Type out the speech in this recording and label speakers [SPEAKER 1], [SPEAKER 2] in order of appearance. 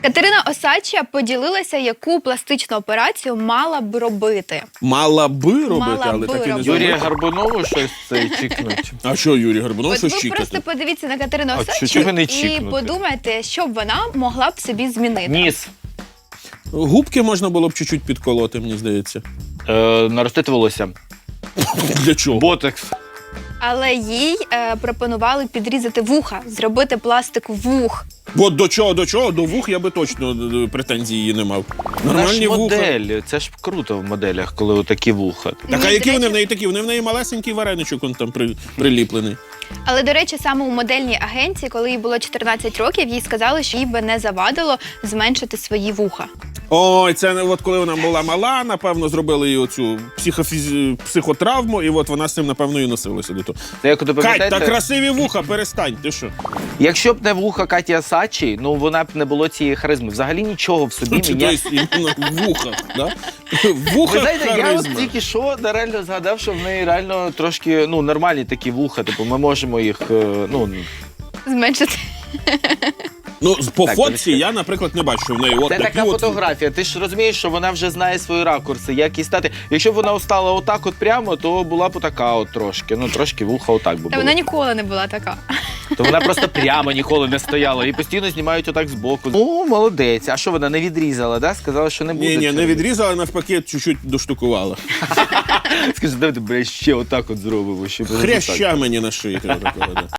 [SPEAKER 1] Катерина Осадча поділилася, яку пластичну операцію мала б робити.
[SPEAKER 2] Мала би робити,
[SPEAKER 1] Мала
[SPEAKER 2] але
[SPEAKER 1] би
[SPEAKER 2] так і не
[SPEAKER 1] робити.
[SPEAKER 3] Юрія
[SPEAKER 2] зробила.
[SPEAKER 3] Гарбунову щось це чікнуть.
[SPEAKER 2] А що Юрій Горбунов,
[SPEAKER 1] От
[SPEAKER 2] що
[SPEAKER 1] ви
[SPEAKER 2] чікати?
[SPEAKER 1] просто подивіться на Катерину
[SPEAKER 3] А
[SPEAKER 1] Осадчу
[SPEAKER 3] чого не
[SPEAKER 1] і
[SPEAKER 3] чікнути?
[SPEAKER 1] подумайте, що б вона могла б собі змінити.
[SPEAKER 3] Ніс.
[SPEAKER 2] Губки можна було б чуть-чуть підколоти, мені здається.
[SPEAKER 3] Наростити волосся.
[SPEAKER 2] Для чого?
[SPEAKER 3] Ботекс.
[SPEAKER 1] Але їй пропонували підрізати вуха, зробити пластику вух.
[SPEAKER 2] От до чого? До вух я би точно претензій її не мав.
[SPEAKER 3] Вона ж
[SPEAKER 2] Нормальні вуха.
[SPEAKER 3] модель. Це ж круто в моделях, коли отакі вуха.
[SPEAKER 2] Так, а
[SPEAKER 1] Ні,
[SPEAKER 2] які
[SPEAKER 1] до
[SPEAKER 2] вони в
[SPEAKER 1] речі-
[SPEAKER 2] неї такі? Вони в неї малесенький вареничок он там приліплений.
[SPEAKER 1] Але, до речі, саме у модельній агенції, коли їй було 14 років, їй сказали, що їй би не завадило зменшити свої вуха.
[SPEAKER 2] Ой, це от коли вона була мала, напевно, зробили їй оцю психотравму, і от вона з цим, напевно, і носилася до того.
[SPEAKER 3] Це як ото
[SPEAKER 2] Кать,
[SPEAKER 3] пам'ятаєте?
[SPEAKER 2] та красиві вуха, перестань, ти що?
[SPEAKER 3] Якщо б не вуха Каті Осадчій, ну вона б не було цієї харизми. Взагалі нічого в собі
[SPEAKER 2] Чи
[SPEAKER 3] міняє.
[SPEAKER 2] то іменно в вухах, да? В
[SPEAKER 3] Ви
[SPEAKER 2] вухах
[SPEAKER 3] знаєте, я от
[SPEAKER 2] харизма.
[SPEAKER 3] тільки що реально згадав, що в неї реально трошки нормальні такі вуха. Типу, ми можемо їх
[SPEAKER 1] Зменшити.
[SPEAKER 2] Ну, по
[SPEAKER 3] Так,
[SPEAKER 2] фотці
[SPEAKER 3] дивіться.
[SPEAKER 2] я, наприклад, не бачу, що в неї от
[SPEAKER 3] Це
[SPEAKER 2] такі
[SPEAKER 3] така
[SPEAKER 2] от...
[SPEAKER 3] фотографія. Ти ж розумієш, що вона вже знає свої ракурси, як їй стати. Якщо б вона стала отак от прямо, то була б отака от трошки. Ну, трошки вуха отак би
[SPEAKER 1] Та
[SPEAKER 3] було.
[SPEAKER 1] вона ніколи не була така.
[SPEAKER 3] То вона просто прямо ніколи не стояла. І постійно знімають отак збоку. Ну, молодець. А що вона не відрізала, да? Сказала, що не буде.
[SPEAKER 2] Ні,
[SPEAKER 3] цього.
[SPEAKER 2] не відрізала, навпаки, чуть-чуть доштукувала.
[SPEAKER 3] Скажи, давайте, бля, ще отак от зробимо. Щоб
[SPEAKER 2] Хряща мені на шиї. Такого, да.